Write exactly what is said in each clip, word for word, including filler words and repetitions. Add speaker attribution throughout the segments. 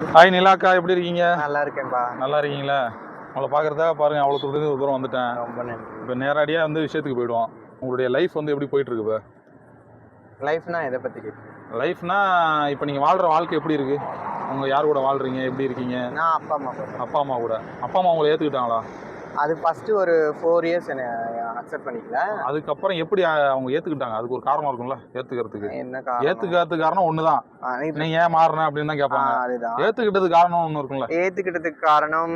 Speaker 1: Hi நிலாக்கா, எப்படி இருக்கீங்க?
Speaker 2: நல்லா இருக்கேன்பா.
Speaker 1: நல்லா இருக்கீங்களா? உங்களை பார்க்குறதா பாருங்க, அவ்வளோ தூரத்துக்கு தூரம் வந்துட்டேன்.
Speaker 2: ரொம்ப நன்றி.
Speaker 1: இப்போ நேரடியாக வந்து விஷயத்துக்கு போயிடுவோம். உங்களுடைய லைஃப் வந்து எப்படி போயிட்டு இருக்கு? இப்போ
Speaker 2: லைஃப்னா எதை பற்றி கேட்குறீங்க?
Speaker 1: லைஃப்னா இப்போ நீங்கள் வாழ்கிற வாழ்க்கை எப்படி இருக்கு? உங்கள் யார் கூட வாழ்கிறீங்க, எப்படி இருக்கீங்க?
Speaker 2: நான் அப்பா அம்மா கூட.
Speaker 1: அப்பா அம்மா கூட. அப்பா அம்மா உங்களை ஏற்றுக்கிட்டாங்களா?
Speaker 2: அது ஃபஸ்ட்டு ஒரு ஃபோர் இயர்ஸ் என்னை அக்செப்ட் பண்ணிக்கல.
Speaker 1: அதுக்கப்புறம் எப்படி அவங்க ஏற்றுக்கிட்டாங்க? அதுக்கு ஒரு காரணம் இருக்கும்ல ஏற்றுக்கிறதுக்கு.
Speaker 2: என்ன காரணம்?
Speaker 1: ஏற்றுக்கிறதுக்கு காரணம் ஒன்று தான். நீங்கள் ஏன் மாறின அப்படின்னு தான் கேட்பாங்க.
Speaker 2: அதுதான்.
Speaker 1: ஏற்றுக்கிட்டதுக்கு காரணம் ஒன்று இருக்கும்ல.
Speaker 2: ஏற்றுக்கிட்டதுக்கு காரணம்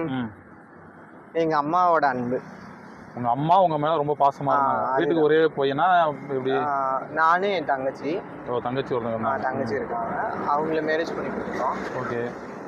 Speaker 2: எங்கள் அம்மாவோட அன்பு.
Speaker 1: உங்க அம்மா உங்க மேல ரொம்ப பாசமா இருந்தாங்க. வீட்டுக்கு ஒரே பையனா எப்படி?
Speaker 2: நானு என் தங்கச்சி.
Speaker 1: ஓ, தங்கச்சி ஒருத்தங்க.
Speaker 2: தங்கச்சி இருக்காங்க. அவங்கள மேரேஜ் பண்ணி கொடுத்தோம்.
Speaker 1: ஓகே.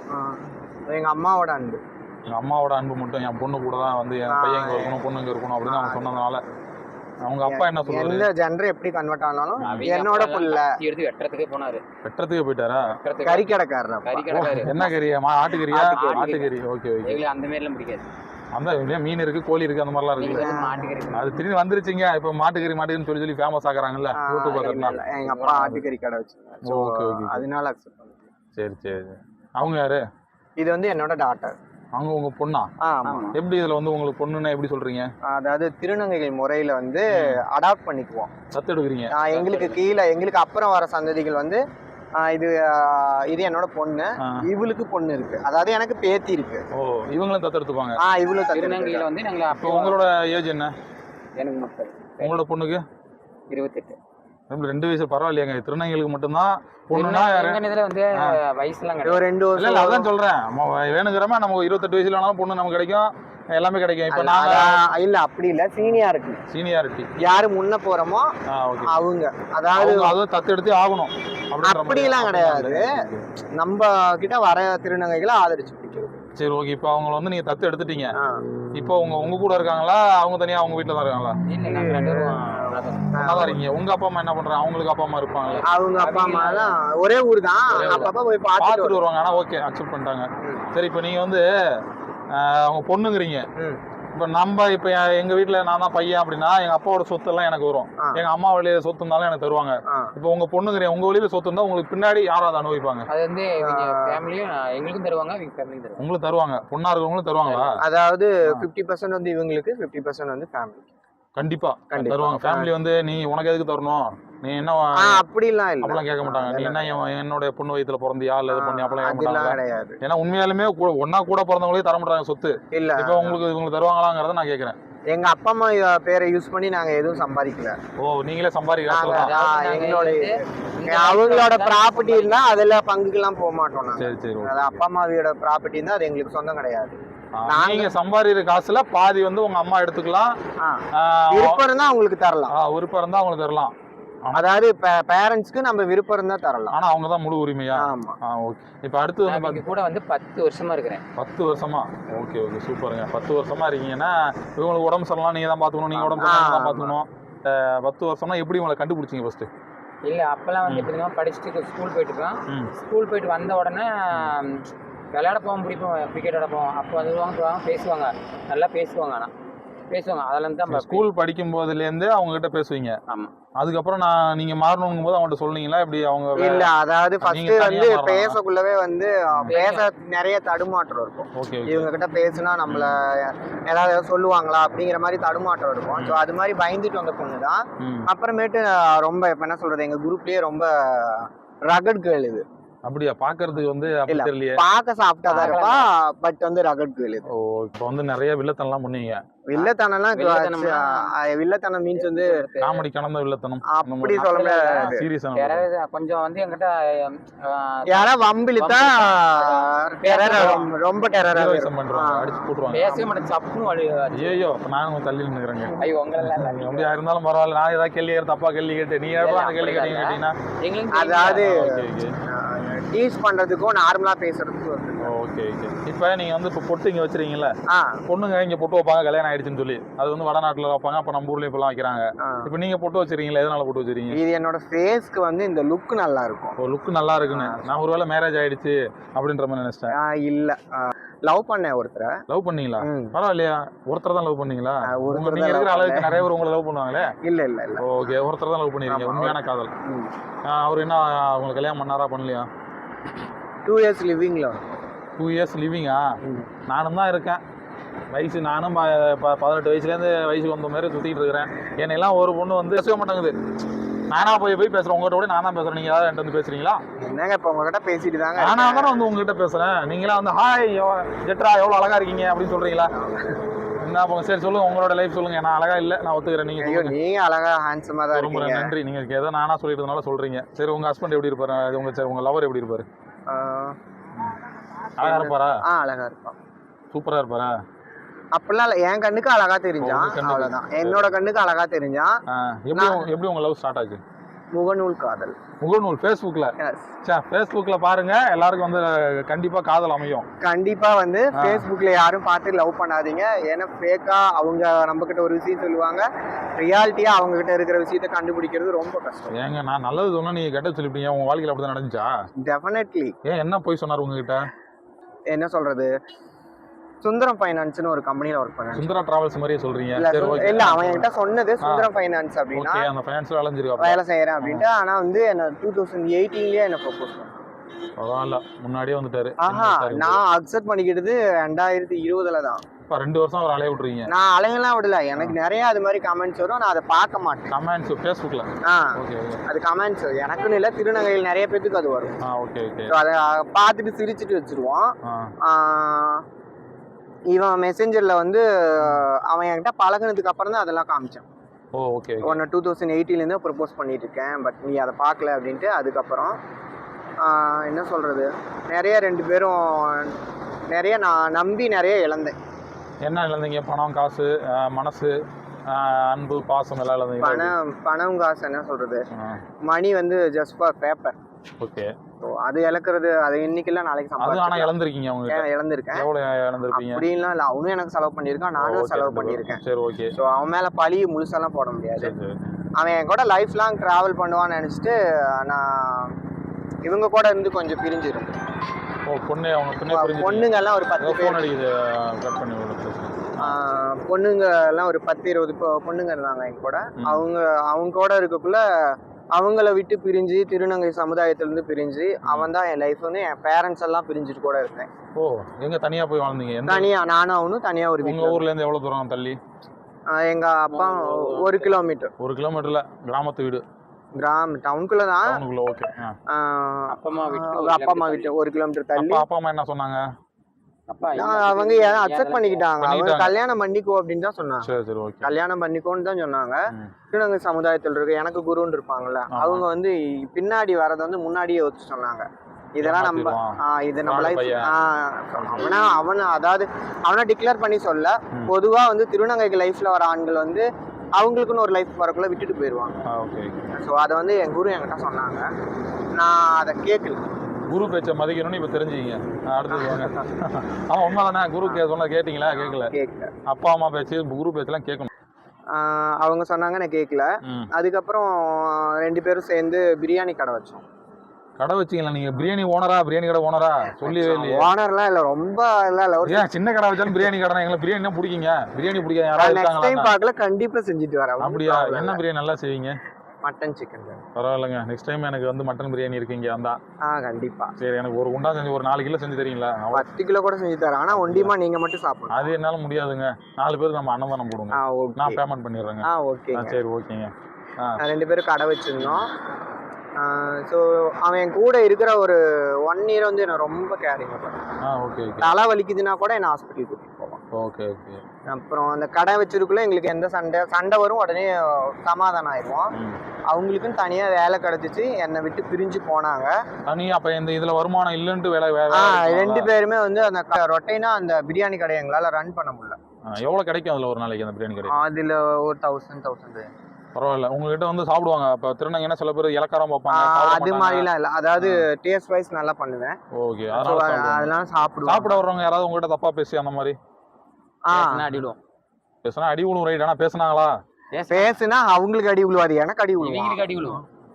Speaker 2: எங்க அம்மாவோட அன்பு.
Speaker 1: எங்க அம்மாவோட அன்பு மட்டும் என் பொண்ணு கூட தான் வந்து என் பையன் இங்க இருக்கணும், பொண்ணு இங்க இருக்கணும் அப்படின்னு அவங்க சொன்னதுனால அவங்க அப்பா என்ன சொல்றாரு?
Speaker 2: எந்த ஜெண்டர் எப்படி கன்வெர்ட் ஆனாலும் என்னோட புள்ள
Speaker 3: எடுத்து வெட்டறதுக்கே போனாரு.
Speaker 1: வெட்டறதுக்கே போயிட்டாரா?
Speaker 2: கறி கடைக்காரர்.
Speaker 1: கறி கடைக்காரர். என்ன கறியா? ஆட்டுக்கறியா? ஆட்டுக்கறி. Okay okay.
Speaker 3: எங்க அந்த மாதிரி எல்லாம் பிடிக்காது.
Speaker 1: அந்த மீன் இருக்கு, கோழி இருக்கு, அந்த மாதிரிலாம் இருக்கு. அது திடீர்னு வந்துருச்சுங்க. இப்போ மாட்டுக்கறி மாட்டுக்கறின்னு சொல்லி சொல்லி ஃபேமஸ் ஆகுறாங்கல்ல யூடியூப் பார்க்கறதுனால.
Speaker 2: எங்க அப்பா ஆட்டுக்கறி கடை வச்சிருக்காரு.
Speaker 1: Okay okay.
Speaker 2: அதனால அக்செப்ட் பண்ணிட்டேன்.
Speaker 1: சரி சரி. அவங்க யாரு?
Speaker 2: இது வந்து என்னோட டாட்டர்.
Speaker 1: அவங்க உங்க பொண்ணா?
Speaker 2: ஆமா. எப்படி
Speaker 1: இதுல வந்து உங்களுக்கு பொண்ணுன்னா எப்படி சொல்றீங்க?
Speaker 2: அதாவது திருநங்கைகள் முறையில வந்து அடாப்ட் பண்ணிக்குவோம்.
Speaker 1: தத்து எடுக்கிறீங்க.
Speaker 2: எங்களுக்கு கீழே எங்களுக்கு அப்புறம் வர சந்ததிகள் வந்து இது இது என்னோட பொண்ணு, இவளுக்கு பொண்ணு இருக்கு. அதாவது எனக்கு பேத்தி இருக்கு.
Speaker 1: ஓ, இவங்களும் தத்து எடுத்துப்பாங்க.
Speaker 2: ஆ, இவளும்
Speaker 3: திருநங்கையில வந்து நாங்க.
Speaker 1: அப்போ உங்களோட ஏஜ் என்ன?
Speaker 3: எனக்கு முப்பது.
Speaker 1: உங்களோட பொண்ணுக்கு
Speaker 3: இருபத்தெட்டு.
Speaker 1: ரெண்டு வயசு பரவாயில்லையாங்க. திருநங்கைகளுக்கு மட்டும்தான் பொண்ணுனா
Speaker 3: இதுல வந்து வயசுலாம்
Speaker 2: கிடையாது. ரெண்டு வருஷம்.
Speaker 1: இல்ல அதான் சொல்றேன். வேணுங்கிறமா நம்ம இருபத்தெட்டு வயசுல ஆனாலும் பொண்ணு நமக்கு கிடைக்கும், எல்லாமே கிடைக்கும். இப்ப நாங்க
Speaker 2: இல்ல அப்படி இல்ல, சீனியாரிட்டி.
Speaker 1: சீனியாரிட்டி
Speaker 2: யாரு முன்ன போறோமோ அவங்க. அதாவது
Speaker 1: அதுவும் தத்து எடுத்து ஆகணும்
Speaker 2: அப்படி எல்லாம் கிடையாது. நம்ம கிட்ட வர திருநங்கைகளை ஆதரிச்சு பிடிக்கிறது.
Speaker 1: சரி ஓகே. இப்போ அவங்க வந்து நீங்க தத்து எடுத்துட்டீங்க. இப்போ உங்க உங்க கூட இருக்காங்களா, அவங்க தனியா அவங்க வீட்டுல தான் இருக்காங்களா? நல்லா இருக்கீங்க. உங்க அப்பா அம்மா என்ன பண்றாங்க? அவங்களுக்கு அப்பா அம்மா இருப்பாங்க.
Speaker 2: அவங்க அப்பா அம்மா தான் ஒரே ஊர் தான். அப்பப்ப போய் பார்த்துட்டு
Speaker 1: வருவாங்க. ஆனா ஓகே, அக்செப்ட் பண்ணிட்டாங்க. சரி, இப்போ நீங்க வந்து அவங்க பொண்ணுங்கிறீங்க. இப்போ நம்ம இப்போ எங்க வீட்டுல நான் தான் பையன் அப்படின்னா எங்க அப்பாவோட சொத்து எல்லாம் எனக்கு வரும். எங்க அம்மா வழியில சொத்து இருந்தாலும் எனக்கு தருவாங்க. இப்போ உங்க பொண்ணுங்கிறீங்க, உங்க வழியில சொத்து இருந்தா உங்களுக்கு பின்னாடி யாராவது அனுபவிப்பாங்க?
Speaker 3: அது வந்து ஃபேமிலியும் எங்களுக்கும் தருவாங்க, எங்க ஃபேமிலியும் தருவாங்க.
Speaker 1: உங்களுக்கு தருவாங்க. பொண்ணா இருக்கவங்களும் தருவாங்களா?
Speaker 2: அதாவது ஃபிஃப்டி பர்சன்ட் வந்து இவங்களுக்கு, ஃபிஃப்டி பர்சன்ட் வந்து ஃபேமிலி.
Speaker 1: கண்டிப்பா தருவாங்க. ஃபேமிலி வந்து நீ உனக்கு எதுக்கு தரணும், நீ என்ன
Speaker 2: அப்படிலாம் இல்ல,
Speaker 1: அப்படிலாம் கேட்க மாட்டாங்க. நீ என்ன என்னோட பொண்ணு வயித்துல பிறந்தியா இல்ல இது பண்ணி அப்படிலாம் கேட்க மாட்டாங்க. ஏன்னா உண்மையாலுமே ஒன்னா கூட பிறந்தவங்களே தர மாட்டாங்க சொத்து.
Speaker 2: இல்ல
Speaker 1: இப்போ உங்களுக்கு இவங்களுக்கு தருவாங்களாங்கிறத நான் கேட்கறேன்.
Speaker 2: எங்க அப்பா அம்மா பேரை யூஸ் பண்ணி நாங்க எதுவும் சம்பாதிக்கல.
Speaker 1: ஓ, நீங்களே சம்பாதிக்கலாம்.
Speaker 2: எங்களோட அவங்களோட ப்ராப்பர்ட்டி இருந்தா அதுல பங்குக்கெல்லாம் போக மாட்டோம்.
Speaker 1: சரி சரி.
Speaker 2: அப்பா அம்மாவோட ப்ராப்பர்ட்டி இருந்தா அது எங்களுக்கு சொந்தம் கிடையாது.
Speaker 1: நீங்க சம்பாதிக்கிற காசுல பாதி வந்து உங்க அம்மா எடுத்துக்கலாம்.
Speaker 2: விருப்பம் இருந்தா அவங்களுக்கு தரலாம்.
Speaker 1: விருப்பம் இருந்தா அவங்களுக்கு தரலாம்.
Speaker 2: அதாவது பேரண்ட்ஸ்க்கு நம்ம விருப்பம் இருந்தா தரலாம்.
Speaker 1: ஆனா அவங்க தான் முழு உரிமையா?
Speaker 2: ஆமா.
Speaker 1: ஓகே. இப்போ அடுத்து வந்து
Speaker 3: கூட வந்து பத்து வருஷமா இருக்கிறேன்.
Speaker 1: பத்து வருஷமா? ஓகே ஓகே, சூப்பருங்க. பத்து வருஷமா இருக்கீங்கன்னா இவங்களுக்கு உடம்பு சரியில்லாம் நீங்க தான் பாத்துக்கணும், நீங்க உடம்பு சரியில்லாம் தான் பாத்துக்கணும். பத்து வருஷமா எப்படி உங்களை கண்டுபிடிச்சிங்க ஃபர்ஸ்ட்?
Speaker 3: இல்ல அப்பெல்லாம் வந்து எப்படின்னா படிச்சுட்டு ஸ்கூல் போயிட்டு இருக்கோம். ஸ்கூல் போயிட்டு வந்த உடனே விளையாட போவோம், பிடிப்போம், கிரிக்கெட் விளையாட போவோம். அப்போ வந்துடுவாங்க, பேசுவாங்க, நல்லா பேசுவாங்க. ஆனால் பேசுவாங்க. அதெல்லாம் தான்
Speaker 1: ஸ்கூல் படிக்கும் போதுலேருந்து அவங்க கிட்ட பேசுவீங்க.
Speaker 3: ஆமாம்.
Speaker 1: அதுக்கப்புறம் நான் நீங்க மாறணுங்கும் போது அவங்கள்ட்ட சொன்னீங்களா இப்படி? அவங்க
Speaker 2: இல்ல, அதாவது ஃபர்ஸ்ட் வந்து பேசக்குள்ளவே வந்து பேச நிறைய தடுமாற்றம் இருக்கும்.
Speaker 1: ஓகே.
Speaker 2: இவங்க கிட்ட பேசினா நம்மள ஏதாவது சொல்லுவாங்களா அப்படிங்கிற மாதிரி தடுமாற்றம் இருக்கும். ஸோ அது மாதிரி பயந்துட்டு வந்த பொண்ணு தான். அப்புறமேட்டு ரொம்ப இப்போ என்ன சொல்றது, எங்க குரூப்லயே ரொம்ப ரகட் கேர்ள் இது.
Speaker 1: அப்படியா? பாக்குறதுக்கு வந்து அப்படி தெரியலையே.
Speaker 2: பாக்க சாப்பிட்டாதான் இருப்பா, பட் வந்து ரகட் கேர்ள் இது.
Speaker 1: ஓ, இப்போ வந்து நிறைய வில்லத்தனம் எல்லாம் பண்ணுவீங்க.
Speaker 2: வில்லத்தனம்லாம் வில்லத்தனம் மீன்ஸ் வந்து
Speaker 1: காமெடி கலந்த வில்லத்தனம்
Speaker 2: அப்படி சொல்ல முடியாது.
Speaker 1: சீரியஸா
Speaker 3: கொஞ்சம் வந்து என்கிட்ட
Speaker 2: யாரா வம்பிலித்தா ரொம்ப டெரரிசம்
Speaker 1: பண்றாங்க, அடிச்சு போட்டுருவாங்க.
Speaker 3: பேசவே மாட்டேன், சப்புன்னு.
Speaker 1: ஐயோ, அப்ப நானும் தள்ளி நின்னுக்கிறேங்க.
Speaker 3: ஐயோ, உங்களெல்லாம்
Speaker 1: அப்படியா இருந்தாலும் பரவாயில்ல. நான் ஏதாவது கேள்வி தப்பா கேள்வி கேட்டு நீ ஏதாவது கேள்வி கேட்டீங்கன்னா
Speaker 2: அதாவது டீஸ் பண்றதுக்கும் நார்மலா பேசுறதுக்கும்.
Speaker 1: Okay okay. இப்போ நீங்க வந்து இப்போ பொட்டு இங்க வச்சிருக்கீங்கல்ல, பொண்ணுங்க இங்க பொட்டு வைப்பாங்க கல்யாணம் ஆயிடுச்சுன்னு சொல்லி. அது வந்து வடநாட்டுல வைப்பாங்க, அப்ப நம்ம ஊர்லயும் இப்பெல்லாம் வைக்கிறாங்க. இப்போ நீங்க பொட்டு வச்சிருக்கீங்களா? எதனால பொட்டு வச்சிருக்கீங்க?
Speaker 2: இது என்னோட ஃபேஸ்க்கு வந்து இந்த லுக் நல்லா இருக்கும்.
Speaker 1: ஓ, லுக் நல்லா இருக்குன்னு. நான் ஒருவேளை மேரேஜ் ஆயிடுச்சு அப்படின்ற மாதிரி நினைச்சிட்டேன்.
Speaker 2: இல்ல, லவ் பண்ணேன் ஒருத்தரை.
Speaker 1: லவ் பண்ணீங்களா? பரவாயில்லையா? ஒருத்தர் தான் லவ் பண்ணீங்களா? நீங்க இருக்கிற அளவுக்கு நிறைய பேர் உங்களை லவ் பண்ணுவாங்களே.
Speaker 2: இல்ல இல்ல இல்ல.
Speaker 1: ஓகே, ஒருத்தர் தான் லவ் பண்ணிருக்கீங்க. உண்மையான காதல். அவர் என்ன உங்களுக்கு கல்யாணம் பண்ணாரா பண்ணலையா?
Speaker 2: டூ இயர்ஸ் லிவிங்ல.
Speaker 1: டூ இயர்ஸ் லிவிங்கா? நானும் தான் இருக்கேன். வயசு நானும் ப- ப- பதினெட்டு வயசுலேருந்து வயசுக்கு வந்த மாதிரி சுற்றிட்டு இருக்கிறேன். என்னையெல்லாம் ஒரு பொண்ணு வந்து பேசவே மாட்டேங்குது. நானா போய் போய் பேசுகிறேன், உங்கள்கிட்ட கூட நான் தான் பேசுகிறேன். நீங்கள் யாராவது என்கிட்ட வந்து பேசுகிறீங்களா?
Speaker 2: என்னங்க இப்போ உங்ககிட்ட பேசிட்டு தாங்க
Speaker 1: நானா தானே வந்து உங்ககிட்ட பேசுகிறேன். நீங்களாம் வந்து ஹாய் ஜெட்ரா எவ்வளோ அழகாக இருக்கீங்க அப்படின்னு சொல்கிறீங்களா? என்ன போங்க, சரி சொல்லுங்கள், உங்களோட லைஃப் சொல்லுங்கள். நான் அழகாக இல்லை, நான் ஒத்துக்கிறேன். நீங்கள்
Speaker 2: ஐயோ நீங்க அழகா ஹேண்ட்ஸமா தான்
Speaker 1: ரொம்ப
Speaker 2: இருக்கீங்க.
Speaker 1: நன்றி. நீங்கள் ஏதோ நானா சொல்லிட்டதுனால சொல்கிறீங்க. சரி, உங்கள் ஹஸ்பண்ட் எப்படி இருப்பாரு? உங்கள் சரி உங்கள் லவர் எப்படி இருப்பாரு?
Speaker 2: ஆஹ்
Speaker 1: அழகாக இருப்பாரா?
Speaker 2: ஆ அழகா இருப்பான்.
Speaker 1: சூப்பராக இருப்பாரா?
Speaker 2: அப்படிலாம் இல்லை, என் கண்ணுக்கு அழகா தெரிஞ்சான்,
Speaker 1: உங்க கண்ணுக்கு.
Speaker 2: அவ்வளவுதான். என்னோட கண்ணுக்கு அழகா தெரிஞ்சான்.
Speaker 1: ஆ, எப்படி உங்க- எப்படி உங்கள் லவ் ஸ்டார்ட் ஆச்சு?
Speaker 2: முகநூல் காதல்.
Speaker 1: முகநூல் ஃபேஸ்புக்கில்?
Speaker 2: Yes.
Speaker 1: சே, ஃபேஸ்புக்கில் பாருங்க, எல்லாருக்கும் வந்து கண்டிப்பாக காதல் அமையும்.
Speaker 2: கண்டிப்பா வந்து ஃபேஸ்புக்ல யாரும் பார்த்து லவ் பண்ணாதீங்க. ஏன்னா ஃபேக்கா அவங்க நம்ம கிட்ட ஒரு விஷயம் சொல்லுவாங்க, ரியாலிட்டியா அவங்க கிட்ட இருக்கிற விஷயத்த கண்டுபிடிக்கிறது ரொம்ப கஷ்டம்.
Speaker 1: ஏங்க, நான் நல்லது சொன்னா நீங்கள் கெட்ட சொல்லிட்டீங்க. உங்கள் வாழ்க்கையில் அப்படி தான் நடந்துச்சா?
Speaker 2: டெஃபினெட்லி.
Speaker 1: ஏன், என்ன போய் சொன்னார் உங்ககிட்ட?
Speaker 2: என்ன சொல்றது, சுந்தரம் ஃபைனான்ஸ்னு ஒரு கம்பெனில ஒர்க் பண்ணேன்.
Speaker 1: சுந்தரா டிராவல்ஸ் மாதிரியே சொல்றீங்க.
Speaker 2: இல்ல
Speaker 1: சரி,
Speaker 2: சு-
Speaker 1: ஓகே.
Speaker 2: இல்ல அவன் என்கிட்ட சொன்னது சுந்தரம் ஃபைனான்ஸ் அப்படின்னா
Speaker 1: ஓகே, அந்த ஃபைனான்ஸில் அலைஞ்சிருக்கா?
Speaker 2: வேலை செய்யறேன் அப்படின்ட்டு. ஆனா வந்து என்ன டூ தௌசண்ட் எயிட்டீன்லயே என்ன ப்ரொபோஸ் பண்ணான்.
Speaker 1: பரவாயில்ல, முன்னாடியே வந்துட்டாரு.
Speaker 2: ஆஹா, நான் அக்செப்ட் பண்ணிக்கிட்டது ரெண்டாயிரத்தி இருபதுல தான்.
Speaker 1: இப்போ ரெண்டு வருஷம் அவர் அலைய விட்றீங்க.
Speaker 2: நான் அலையெல்லாம் விடல, எனக்கு நிறைய அது மாதிரி கமெண்ட்ஸ் வரும், நான் அதை பார்க்க மாட்டேன்.
Speaker 1: கமெண்ட்ஸ் ஃபேஸ்புக்கில்?
Speaker 2: ஆ
Speaker 1: ஓகே ஓகே.
Speaker 2: அது கமெண்ட்ஸ் எனக்குன்னு இல்லை, திருநங்கையில் நிறைய பேத்துக்கு அது வரும்.
Speaker 1: ஆ, ஓகே ஓகே.
Speaker 2: ஸோ அதை பார்த்துட்டு சிரிச்சுட்டு வச்சிருவோம்.
Speaker 1: ஆ,
Speaker 2: ஆஹ் இவன் மெசேஞ்சரில் வந்து அவன் என்கிட்ட பழகுனதுக்கு அப்புறம் தான் அதெல்லாம் காமிச்சான்.
Speaker 1: Oh, okay okay.
Speaker 2: ஒன்று டூ தௌசண்ட் எயிட்டிலேருந்து ப்ரப்போஸ் பண்ணிட்டு இருக்கேன், பட் நீ அதை பார்க்கல அப்படின்ட்டு. அதுக்கப்புறம் ஆஹ் என்ன சொல்கிறது, நிறைய ரெண்டு பேரும் நிறைய நான் நம்பி நிறைய இழந்தேன்.
Speaker 1: என்ன இழந்தீங்க? பணம், காசு, ஆ, மனசு, ஆ, அன்பு, பாசம் எல்லாம் இழந்தீங்க?
Speaker 2: பணம் பணம் காசு என்ன சொல்கிறது,
Speaker 1: ஆ,
Speaker 2: மணி வந்து just for paper.
Speaker 1: Okay.
Speaker 2: So அது இழக்கிறது, அது இன்னைக்கு நாளைக்கு
Speaker 1: அது ஆனால்
Speaker 2: சம்பாதிச்சு
Speaker 1: இழந்திருக்கீங்க அவங்க?
Speaker 2: இழந்திருக்கேன்.
Speaker 1: எவ்வளோ இழந்திருப்பீங்க?
Speaker 2: அப்படின்லாம் இல்லை, அவனும் எனக்கு செலவு பண்ணியிருக்கான், நானும்
Speaker 1: ஓகே,
Speaker 2: செலவு
Speaker 1: ரெண்டு பேரும்.
Speaker 2: பண்ணியிருக்கேன்.
Speaker 1: சரி, ஓகே.
Speaker 2: ஸோ அவன் மேலே பழி முழுசாலாம் போட முடியாது.
Speaker 1: சரி சரி.
Speaker 2: அவன் என் கூட லைஃப் லாங் ட்ராவல் பண்ணுவான்னு நினச்சிட்டு நான் இவங்க கூட இருந்து கொஞ்சம் பிரிஞ்சிருந்தேன்.
Speaker 1: ஓ, பொண்ணு அவங்க பொண்ணே புரிஞ்சு.
Speaker 2: பொண்ணுங்கெல்லாம் ஒரு பத்து
Speaker 1: ஃபோன்
Speaker 2: பேர்,
Speaker 1: அடிக்குது, கட் பண்ணி விட பேசுங்க.
Speaker 2: ஆஹ் பொண்ணுங்க எல்லாம் ஒரு பத்து இருபது பொ- பொண்ணுங்க இருந்தாங்க என் கூட.
Speaker 1: ம்.
Speaker 2: அவங்க அவங்க கூட இருக்கக்குள்ள அவங்கள விட்டு பிரிஞ்சு, திருநங்கை சமுதாயத்திலேருந்து பிரிஞ்சு, அவன் தான் என் லைஃப்னு, என் பேரண்ட்ஸ் எல்லாம் பிரிஞ்சுட்டு கூட இருக்கேன்.
Speaker 1: ஓ, எங்க தனியா போய் வாழ்ந்தீங்க? எந்த
Speaker 2: தனியா நானும் அவனும் தனியா ஒரு
Speaker 1: உங்க
Speaker 2: வீட்டில்.
Speaker 1: ஊர்ல இருந்து எவ்வளவு தூரம் தள்ளி?
Speaker 2: எங்க அப்பா ஒரு கிலோமீட்டர்,
Speaker 1: ஒரு கிலோமீட்டர்ல கிராமத்து வீடு?
Speaker 2: கிராம் டவுனுக்குள்ள தான்.
Speaker 1: டவுனுக்குள்ள. ஓகே.
Speaker 2: ஆஹ்
Speaker 3: அப்பா அம்மா விட்டு
Speaker 2: அவங்க
Speaker 3: ஒரு
Speaker 2: அப்பா அம்மா
Speaker 3: கிலோமீட்டர்
Speaker 2: வீட்டு ஒரு கிலோமீட்டர் தள்ளி.
Speaker 1: அப்பா அப்பா அம்மா என்ன சொன்னாங்க?
Speaker 3: அப்பா
Speaker 2: நான் அவங்க அக்செப்ட் பண்ணிக்கிட்டாங்க. அவங்க
Speaker 1: பண்ணிக்கிட்டாங்க.
Speaker 2: கல்யாணம் பண்ணிக்கோ அப்படின்னு தான் சொன்னாங்க.
Speaker 1: சரி சரி, ஓகே.
Speaker 2: கல்யாணம் பண்ணிக்கோன்னு தான் சொன்னாங்க.
Speaker 1: ம்.
Speaker 2: திருநங்கை சமுதாயத்தில் இருக்க எனக்கு குருன்னு இருப்பாங்கல்ல,
Speaker 1: ஆமா.
Speaker 2: அவங்க வந்து பின்னாடி வரதை வந்து முன்னாடியே யோசிச்சு சொன்னாங்க. இதெல்லாம் நம்ம
Speaker 1: ஏமாத்திடுவான்.
Speaker 2: ஆஹ் இது நம்ம
Speaker 1: fraud
Speaker 2: லைஃப்
Speaker 1: பையன்.
Speaker 2: அவனா அவனை அதாவது அவனை டிக்ளேர் பண்ணி சொல்ல,
Speaker 1: ம்.
Speaker 2: பொதுவா வந்து திருநங்கைக்கு லைஃப்ல வர ஆண்கள் வந்து அவங்களுக்குன்னு ஒரு லைஃப் வரக்குள்ள விட்டுட்டு போயிடுவாங்க.
Speaker 1: ஆ, ஓகே.
Speaker 2: ஸோ அதை வந்து என் குரு என்கிட்ட சொன்னாங்க, நான் அதை கேட்கல.
Speaker 1: குரு பேச்சை மதிக்கணும்னு இப்ப தெரிஞ்சுக்கிங்க. ஆ, அடுத்தது வாங்க. ஆமா, உண்மைதானே? குரு கே சொன்னா கேட்டீங்களா? கேட்கல.
Speaker 2: கேட்கல.
Speaker 1: அப்பா அம்மா பேச்சு, குரு பேச்செல்லாம் கேட்கணும்.
Speaker 2: ஆஹ் அவங்க சொன்னாங்க, நான் கேட்கல.
Speaker 1: ம்.
Speaker 2: அதுக்கப்புறம் ரெண்டு பேரும் சேர்ந்து பிரியாணி கடை வச்சோம்.
Speaker 1: கடை வச்சீங்களா நீங்க? பிரியாணி ஓனரா? பிரியாணி கடை ஓனரா? சொல்லவே இல்லையே.
Speaker 2: ஓனர்லாம் இல்லை, ரொம்ப எல்லாம் இல்லை. ஒரு
Speaker 1: ஏன் சின்ன கடை வச்சாலும் பிரியாணி கடை? எங்களுக்கு பிரியாணி தான் பிடிக்குங்க. பிரியாணி பிடிக்காது யாராவது
Speaker 2: நெக்ஸ்ட் டைம்
Speaker 1: இருக்காங்களா?
Speaker 2: பார்க்கல, கண்டிப்பா செஞ்சுட்டு வரேன்.
Speaker 1: அப்படியா? என்ன பிரியாணி நல்லா செய்வீங்க?
Speaker 2: Mutton chicken.
Speaker 1: பரவாயில்லைங்க. நெக்ஸ்ட் டைம் எனக்கு வந்து மட்டன் பிரியாணி இருக்கீங்க வந்தா.
Speaker 2: ஆ கண்டிப்பா.
Speaker 1: சரி, எனக்கு ஒரு குண்டா செஞ்சு ஒரு நாலு கிலோ செஞ்சு தரீங்களா? அவ்வளோ.
Speaker 2: பத்து கிலோ கூட செஞ்சு தரேன், ஆனா ஒண்டியமா நீங்க மட்டும் சாப்பிடணும்.
Speaker 1: அது என்னால முடியாதுங்க. நாலு பேருக்கு நம்ம அன்னதானம் போடுங்க.
Speaker 2: ஆ
Speaker 1: நான்
Speaker 2: ஓகே.
Speaker 1: பேமெண்ட் பண்ணிடுறேங்க.
Speaker 2: ஆ
Speaker 1: ஆ,
Speaker 2: ஓகேங்க.
Speaker 1: சரி, ஓகேங்க. ஆ,
Speaker 2: ரெண்டு பேரும் கடை வச்சிருந்தோம். ஸோ அவன் என் கூட இருக்கிற ஒரு ஒன் இயர் வந்து என்ன ரொம்ப கேரிங் பண்ணுவான்.
Speaker 1: ஆ, ஓகே ஓகே.
Speaker 2: தலை வலிக்குதுன்னா கூட என்ன ஹாஸ்பிட்டல் கூட்டிட்டு போவான்.
Speaker 1: Okay okay.
Speaker 2: அப்புறம் அந்த கடை வச்சிருக்குள்ள எங்களுக்கு எந்த சண்டை சண்டை வரும், உடனே சமாதானம் ஆயிடுவோம்.
Speaker 1: ம்.
Speaker 2: அவங்களுக்குன்னு தனியா வேலை கிடைச்சிச்சு, என்னை விட்டு பிரிஞ்சு போனாங்க.
Speaker 1: தனி அப்ப இந்த இதுல வருமானம் இல்லைன்ட்டு வேலை வே-
Speaker 2: ஆ
Speaker 1: வேலை
Speaker 2: ரெண்டு
Speaker 1: இருக்குங்களா?
Speaker 2: பேருமே வந்து அந்த க- ரொட்டைனா அந்த பிரியாணி கடையை எங்களால ரன் பண்ண முடியல.
Speaker 1: ஆ, எவ்வளவு கிடைக்கும் அதுல ஒரு நாளைக்கு அந்த பிரியாணி கடை?
Speaker 2: அதுல ஒரு தௌசண்ட் தௌசண்ட்
Speaker 1: பரவாயில்ல. உங்ககிட்ட வந்து சாப்பிடுவாங்க. இப்ப திருநங்கைன்னா சில பேர் இலக்காரம் பார்ப்பாங்க, சாப்பிட
Speaker 2: அது
Speaker 1: மாட்டாங்க.
Speaker 2: மாதிரிலாம் இல்லை, அதாவது டேஸ்ட் வைஸ் நல்லா பண்ணுவேன்.
Speaker 1: ஓகே,
Speaker 2: So,
Speaker 1: அதனால சாப்பிடுவாங்க.
Speaker 2: அதெல்லாம் சாப்பிடுவோம்.
Speaker 1: சாப்பிட வர்றவங்க யாராவது உங்ககிட்ட தப்பா பேசி அந்த மாதிரி
Speaker 2: ஆ
Speaker 3: அடிவிடுவோம்.
Speaker 1: பேசுனா அடி விழும், ரைட்? ஆனா பேசுனாங்களா?
Speaker 2: பேசுனா அவங்களுக்கு அடி விழுவாது, எனக்கு அடி விழுவான்.
Speaker 3: இவங்களுக்கு அடி விழுவோம்.
Speaker 1: ஓ,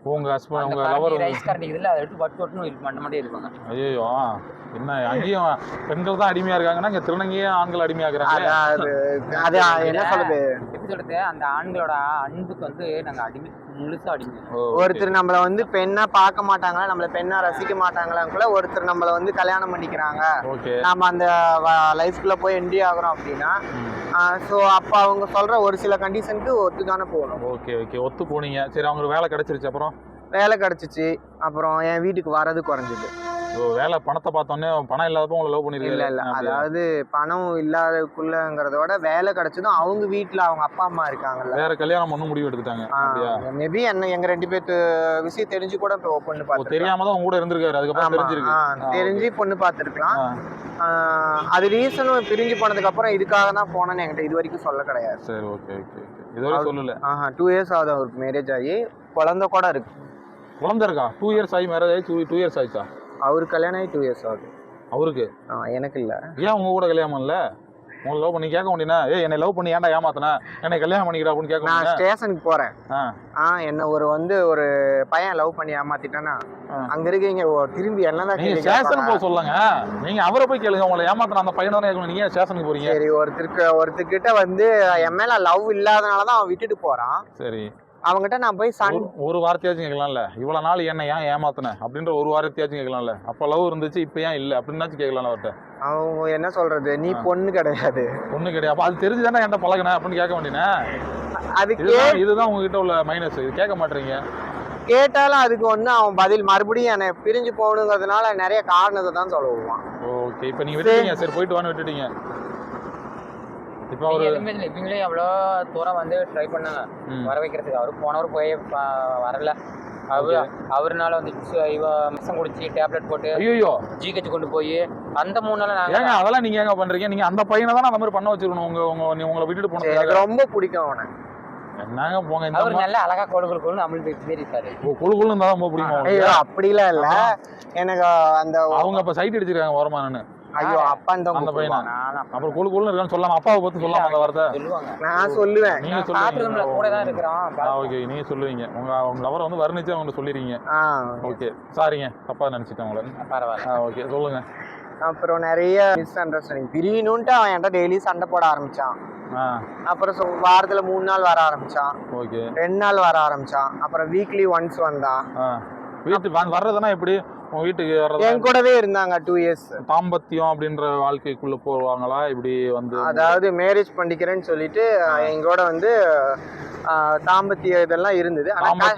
Speaker 1: உங்க ஹஸ்பண்ட் உங்க லவர்
Speaker 3: ரைஸ் கரண்டி இதுல அதை எடுத்து வட்டு வட்டுன்னு இது பண்ண மாட்டே இருப்பாங்க.
Speaker 1: ஐயோ என்ன அங்கேயும் பெண்கள் தான் அடிமையா இருக்காங்கன்னா இங்க திருநங்கையே ஆண்கள் அடிமையாக்குறாங்க.
Speaker 2: அது அது என்ன சொல்றது,
Speaker 3: எப்படி சொல்றது, அந்த ஆண்களோட அன்புக்கு வந்து நாங்க அடிமை, முழுசா அடிமை.
Speaker 2: ஒருத்தர் நம்மள வந்து பெண்ணா பார்க்க மாட்டாங்களா, நம்மள பெண்ணா ரசிக்க மாட்டாங்களான்னு கூட ஒருத்தர் நம்மள வந்து கல்யாணம் பண்ணிக்கிறாங்க, நம்ம அந்த லைஃப்குள்ள போய் என்ட்ரி ஆகுறோம் அப்படின்னா, ஸோ அப்போ அவங்க சொல்ற ஒரு சில கண்டிஷனுக்கு ஒத்து தானே போகணும்.
Speaker 1: ஓகே ஓகே ஒத்து போனீங்க. சரி அவங்களுக்கு வேலை கிடைச்சிருச்சு, அப்புறம்
Speaker 2: வேலை கிடைச்சிச்சு, அப்புறம் என் வீட்டுக்கு வர்றது குறைஞ்சிது.
Speaker 1: ஓ வேலை பணத்தை பார்த்தோன்னே பணம் இல்லாதப்போ உங்களை லவ் பண்ணிருக்கீங்க?
Speaker 2: இல்லை இல்லை, அதாவது பணம் இல்லாதக்குள்ளங்கிறதோட வேலை கிடைச்சதும் அவங்க வீட்டில் அவங்க அப்பா அம்மா இருக்காங்கல்ல,
Speaker 1: வேற கல்யாணம் பண்ண முடிவு எடுத்துட்டாங்க.
Speaker 2: மேபி என்ன எங்க ரெண்டு பேர்த்து விஷயம் தெரிஞ்சு கூட இப்போ பொண்ணு பார்த்து
Speaker 1: தெரியாம தான் உங்க கூட இருந்திருக்காரு, அதுக்கப்புறம் தெரிஞ்சிருக்கு,
Speaker 2: தெரிஞ்சு பொண்ணு பார்த்துருக்கலாம். அது ரீசனும் பிரிஞ்சு போனதுக்கு அப்புறம் இதுக்காக தான் போனேன்னு என்கிட்ட இது வரைக்கும் சொல்ல கிடையாது.
Speaker 1: சரி ஓகே ஓகே இதுவரை சொல்லல.
Speaker 2: ஆஹா டூ இயர்ஸ் ஆகுது அவருக்கு மேரேஜ் ஆகி, குழந்தை கூட இருக்கு.
Speaker 1: குழந்தை இருக்கா? டூ இயர்ஸ் ஆகி மேரேஜ் ஆகி டூ டூ இயர்ஸ் ஆயிடுச்சா?
Speaker 2: அவருக்கு கல்யாணம் ஆகி டூ இயர்ஸ் ஆகுது.
Speaker 1: அவருக்கு?
Speaker 2: எனக்கு இல்லை.
Speaker 1: ஏன் உங்க கூட கல்யாணம் இல்லை? உங்களை லவ் பண்ணி கேட்க வேண்டியனா, ஏ என்னை லவ் பண்ணி ஏன்டா ஏமாத்தின, என்னை கல்யாணம் பண்ணிக்கிறா அப்படின்னு கேட்க.
Speaker 2: நான் ஸ்டேஷனுக்கு போறேன், ஆ என்ன ஒரு வந்து ஒரு பையன் லவ் பண்ணி ஏமாத்திட்டானா அங்க இருக்கீங்க திரும்பி என்னதான்
Speaker 1: நீங்க ஸ்டேஷன் போக சொல்லுங்க, நீங்க அவரை போய் கேளுங்க, உங்களை ஏமாத்தின அந்த பையனை தானே கேட்கணும், நீங்க ஸ்டேஷனுக்கு போறீங்க.
Speaker 2: சரி ஒருத்தருக்கு ஒருத்தர்கிட்ட வந்து என் மேல லவ் இல்லாதனாலதான் அவன் விட்டுட்டு போறான்.
Speaker 1: சரி
Speaker 2: அவங்ககிட்ட நான் போய் சன்
Speaker 1: ஒரு வார்த்தையாச்சும் கேட்கலாம்ல, இவ்வளவு நாள் என்ன ஏன் ஏமாத்தின அப்படின்ற ஒரு வார்த்தையாச்சும் கேட்கலாம்ல, அப்ப லவ் இருந்துச்சு இப்ப ஏன் இல்லை அப்படின்னாச்சும் கேட்கலாம் அவர்கிட்ட.
Speaker 2: அவங்க என்ன சொல்றது, நீ பொண்ணு கிடையாது
Speaker 1: பொண்ணு கிடையாது, அப்ப அது தெரிஞ்சுதானே என்கிட்ட பழகின அப்படின்னு கேட்க வேண்டியனே.
Speaker 2: அதுக்கு
Speaker 1: இதுதான் உங்ககிட்ட உள்ள மைனஸ், இது கேட்க மாட்டீங்க.
Speaker 2: கேட்டாலும் அதுக்கு ஒண்ணு அவன் பதில் மறுபடியும் என்னை பிரிஞ்சு போகணுங்கிறதுனால நிறைய காரணத்தை தான் சொல்லுவான்.
Speaker 1: ஓகே இப்ப நீங்க விட்டுட்டீங்க, சரி போயிட்டு வான்னு விட்டுட்டீங்க. இப்போ அவர்
Speaker 3: எதுவுமே இல்லை, இவங்களே எவ்வளோ தூரம் வந்து ட்ரை பண்ணாங்க வர வைக்கிறதுக்கு, அவரு போனவர் போய் வரல. அவரு அவருனால வந்து இவ மிஷம் குடிச்சு டேப்லெட் போட்டு ஐயோ ஜிஹெச் கொண்டு போய் அந்த மூணு நாள் நாங்க.
Speaker 1: ஏங்க அதெல்லாம் நீங்க ஏங்க பண்றீங்க? நீங்க அந்த பையனை தான் அந்த மாதிரி பண்ண வச்சிருக்கணும். உங்க உங்க உங்களை விட்டுட்டு போனது
Speaker 2: எனக்கு ரொம்ப பிடிக்கும் அவனை.
Speaker 1: என்னங்க போங்க,
Speaker 3: அவர் நல்ல அழகா கொழு கொழு கொழுன்னு நம்மளுக்கு பேர் இருக்காரு.
Speaker 1: கொழு கொழுன்னு இருந்தா ரொம்ப பிடிக்கும்.
Speaker 2: ஐயோ அப்படிலாம் இல்ல, எனக்கு அந்த
Speaker 1: அவங்க அப்ப சைட் அடிச்சிருக்காங்க ஓரமானு.
Speaker 2: ஐயோ அப்பா அந்த பையனா
Speaker 1: அப்புறம் கொழு கொழுன்னு இருக்கான்னு சொல்லாம அப்பாவை பத்தி சொல்லாம அந்த வார்த்தை
Speaker 3: சொல்லுவாங்க.
Speaker 2: நான் சொல்லுவேன்,
Speaker 3: நீங்க சொல்லுவீங்க கூட தான் இருக்கிறோம்.
Speaker 1: ஓகே நீங்க சொல்லுவீங்க, உங்க உங்க லவரை வந்து வர்ணிச்சு அவங்க சொல்லிடுறீங்க. ஓகே சாரிங்க தப்பா நினைச்சிட்டேன் உங்களை.
Speaker 3: பரவாயில்ல
Speaker 1: ஓகே சொல்லுங்க.
Speaker 2: அப்புறம் நிறைய மிஸ் அண்டர்ஸ்டாண்டிங், பிரியணுன்ட்டு அவன் என்கிட்ட டெய்லி சண்டை போட ஆரம்பிச்சான். அப்புறம் வாரத்துல மூணு நாள் வர ஆரம்பிச்சான், ஓகே ரெண்டு நாள் வர ஆரம்பிச்சான், அப்புறம் வீக்லி ஒன்ஸ் வந்தான்.
Speaker 1: வீட்டுக்கு வர்றதுன்னா எப்படி? உங்க வீட்டுக்கு வர்றது
Speaker 2: என் கூடவே இருந்தாங்க டூ இயர்ஸ்.
Speaker 1: தாம்பத்தியம் அப்படின்ற வாழ்க்கைக்குள்ள போவாங்களா இப்படி வந்து?
Speaker 2: அதாவது மேரேஜ் பண்ணிக்கிறேன்னு சொல்லிட்டு எங்கூட வந்து தாம்பத்திய இதெல்லாம் இருந்தது.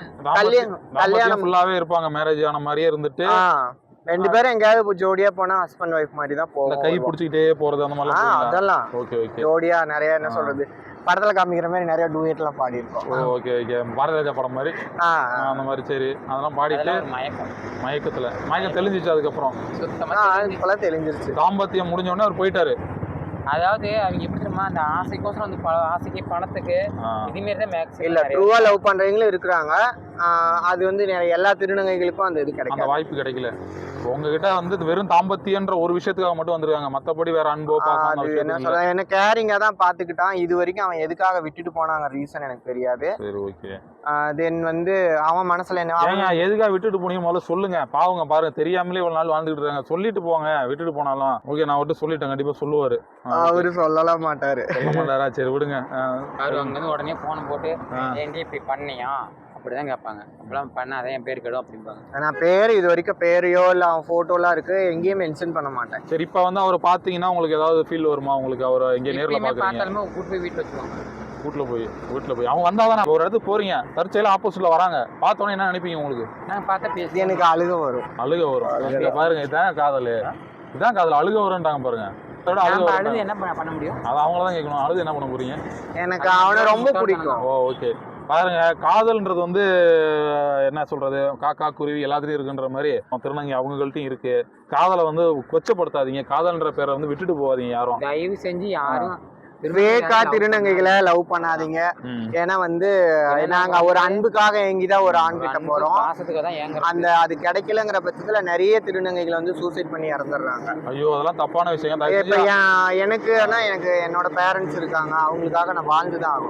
Speaker 1: கல்யாணம் ஃபுல்லாவே இருப்பாங்க, மேரேஜ் ஆன மாதிரியே இருந்துட்டு
Speaker 2: ரெண்டு பேரும் எங்கேயாவது ஜோடியா போனா ஹஸ்பண்ட் ஒய்ஃப் மாதிரி தான் போவோம்.
Speaker 1: கை பிடிச்சிக்கிட்டே போறது அந்த மாதிரி
Speaker 2: அதெல்லாம் ஓகே ஓகே ஜோடியா நிறைய என்ன சொல்றது படத்துல காமிக்கிற மாதிரி நிறைய டூயட் எல்லாம் பாடி இருக்கோம்.
Speaker 1: ஓகே ஓகே பாரதிராஜா படம் மாதிரி அந்த மாதிரி. சரி அதெல்லாம் பாடிட்டு
Speaker 3: மயக்கம்
Speaker 1: மயக்கத்துல மயக்கம் தெளிஞ்சிச்சு, அதுக்கப்புறம்
Speaker 2: இப்பெல்லாம் தெளிஞ்சிருச்சு.
Speaker 1: தாம்பத்தியம் முடிஞ்ச உடனே அவர் போயிட்டாரு.
Speaker 3: அதாவது அவங்க எப்படி தெரியுமா, அந்த ஆசைக்கோசரம் வந்து ஆசைக்கு பணத்துக்கு இதுமாரி தான் மேக்ஸிமம்
Speaker 2: இல்ல ட்ரூவா லவ் பண்றவங்களும் இருக்கிறாங்க. அது வந்து எல்லா திருநங்கைகளுக்கும் அந்த இது கிடைக்கும்,
Speaker 1: அந்த வாய்ப்பு கிடைக்கல. உங்ககிட்ட வந்து வெறும் தாம்பத்தியன்ற ஒரு விஷயத்துக்காக மட்டும் வந்திருக்காங்க, மத்தபடி வேற அன்போ
Speaker 2: பாசம் என்ன சொல்ல என்ன கேரிங்கா தான் பாத்துக்கிட்டான். இது வரைக்கும் அவன் எதுக்காக விட்டுட்டு போனாங்க ரீசன் எனக்கு தெரியாது.
Speaker 1: சரி ஓகே.
Speaker 2: தென் வந்து அவன் மனசுல என்ன
Speaker 1: எதுக்காக விட்டுட்டு போனீங்க முதல்ல சொல்லுங்க. பாவங்க பாருங்க தெரியாமலே ஒரு நாள் வாழ்ந்துட்டு இருக்காங்க, சொல்லிட்டு போங்க விட்டுட்டு போனாலும். ஓகே நான் விட்டு சொல்லிட்டேன், கண்டிப்பா சொல்லுவாரு.
Speaker 2: அவரு சொல்லலாம் மாட்டாரு.
Speaker 1: சொல்ல மாட்டாரா? சரி விடுங்க.
Speaker 3: அவரு அங்கிருந்து உடனே போன் போட்டு ஏன்டி இப்படி பண்ணியா அப்படிதான் கேட்பாங்க. அப்படிலாம் பண்ணாதான் என் பேர் கெடும் அப்படிம்பாங்க.
Speaker 2: நான் பேர் இது வரைக்கும் பேரையோ இல்ல அவன் போட்டோலாம் இருக்கு எங்கேயும் மென்ஷன் பண்ண மாட்டேன்.
Speaker 1: சரி இப்ப வந்து அவரை பாத்தீங்கன்னா உங்களுக்கு ஏதாவது ஃபீல் வருமா? உங்களுக்கு அவரை எங்க நேர்ல
Speaker 3: பார்த்தாலுமே கூட்டு போய் வீட்டுல வச்சுக்கோங்க.
Speaker 1: வீட்டுல போய் வீட்டுல போய் அவங்க வந்தாதான் ஒரு இடத்துக்கு போறீங்க, தற்செயல ஆப்போசிட்ல வராங்க, பார்த்தோன்னே என்ன நினைப்பீங்க? உங்களுக்கு
Speaker 3: நான் பார்த்தா பேசி
Speaker 2: எனக்கு அழுக வரும்.
Speaker 1: அழுக வரும் பாருங்க, இதான் காதல், இதான் காதல். அழுக வரும்ன்றாங்க பாருங்க.
Speaker 3: அழுது என்ன பண்ண முடியும்?
Speaker 1: அது அவங்களதான் கேட்கணும். அழுது என்ன பண்ண போறீங்க?
Speaker 2: எனக்கு அவனை ரொம்ப பிடிக்கும்.
Speaker 1: Oh okay. பாருங்க காதல்ன்றது வந்து என்ன சொல்றது, காக்கா குருவி எல்லாத்துலயும் இருக்குன்ற மாதிரி திருநங்கை அவங்கள்ட்டையும் இருக்கு. காதலை வந்து கொச்சப்படுத்தாதீங்க, காதல்ன்ற பேரை வந்து விட்டுட்டு போவாதீங்க யாரும்.
Speaker 3: தயவு செஞ்சு யாரும்
Speaker 2: வேக்கா திருநங்கைகளை லவ் பண்ணாதீங்க. ஏன்னா வந்து நாங்க ஒரு அன்புக்காக ஏங்கிதான் ஒரு ஆண் கிட்ட போறோம், அந்த அது கிடைக்கலங்கிற பட்சத்துல நிறைய திருநங்கைகளை வந்து சூசைட் பண்ணி இறந்துடுறாங்க.
Speaker 1: ஐயோ அதெல்லாம் தப்பான விஷயம்.
Speaker 2: இப்ப எனக்கு எனக்கு என்னோட பேரண்ட்ஸ் இருக்காங்க, அவங்களுக்காக நான் வாழ்ந்துதான் ஆகும்.